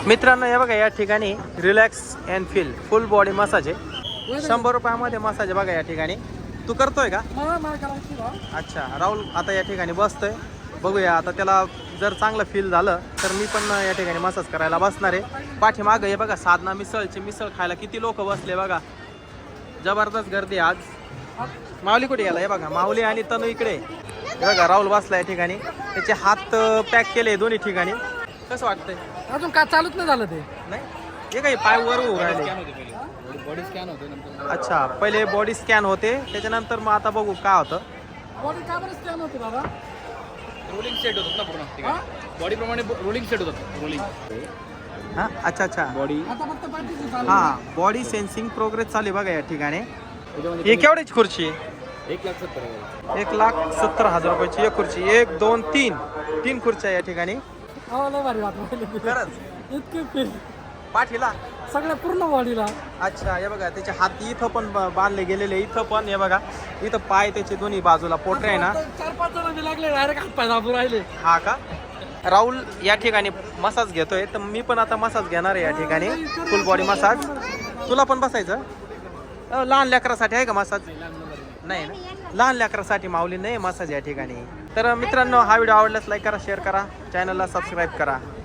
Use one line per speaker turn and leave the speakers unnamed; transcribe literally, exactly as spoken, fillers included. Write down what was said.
मित्रांनो हे बघा या ठिकाणी relax and feel full body massage आहे. शंभर रुपयामध्ये मसाज आहे बघा या ठिकाणी. तू करतोय का? अच्छा राहुल आता या ठिकाणी बसतोय. बघूया आता त्याला जर चांगलं फील झालं तर मी पण या ठिकाणी मसाज करायला बसणार आहे. पाठीमागं हे बघा साधना मिसळचे मिसळ खायला किती लोक बसले बघा. जबरदस्त गर्दी आज. माऊली कुठे गेला? हे बघा माऊली आणि तनू इकडे. हे बघा राहुल बसला या ठिकाणी. त्याचे हात पॅक केले दोन्ही ठिकाणी. कसं वाटतंय?
अजून का चालूच नाही झालं ते.
नाही हे काही पाय वर उभं राहिले.
बॉडी स्कॅन होते.
अच्छा पहिले बॉडी स्कॅन होते त्याच्यानंतर मग आता बघू काय होतं.
बॉडी का बरं स्कॅन होते बाबा?
रोलिंग सेट होतात ना पूर्ण. बॉडी प्रमाणे रोलिंग सेट होतात. रोलिंग
हां अच्छा अच्छा
बॉडी.
आता फक्त पाठीची चालू.
हां बॉडी सेन्सिंग प्रोग्रेस चालू आहे बघा या ठिकाणी. ही केवढीची खुर्ची आहे?
एक लाख सत्तर हजार
एक लाख सत्तर हजार रुपयाची एक खुर्ची. एक दोन तीन तीन खुर्च्या या ठिकाणी.
हो लय भारी वाटलं.
खरंच
इतके फील
पाठीला.
सगळ्या पूर्ण बॉडीला.
अच्छा हे बघा त्याचे हात इथं पण ब- बांधले गेलेले. इथं पण हे बघा इथं पाय त्याचे दोन्ही बाजूला पोटरे आहे ना.
चार पाच जण लागले डायरेक्ट हात पाय दाबून राहिले.
हा का? राहुल या ठिकाणी मसाज घेतोय तर मी पण आता मसाज घेणार आहे या ठिकाणी. Full body massage. तुला पण बसायचं? अ, लहान लेकरासाठी आहे का मसाज? नाही ना लहान लेकरासाठी माऊली नाही मसाज या ठिकाणी. तर मित्रांनो हा व्हिडिओ आवडल्यास लाईक करा शेअर करा चॅनलला सबस्क्राईब करा.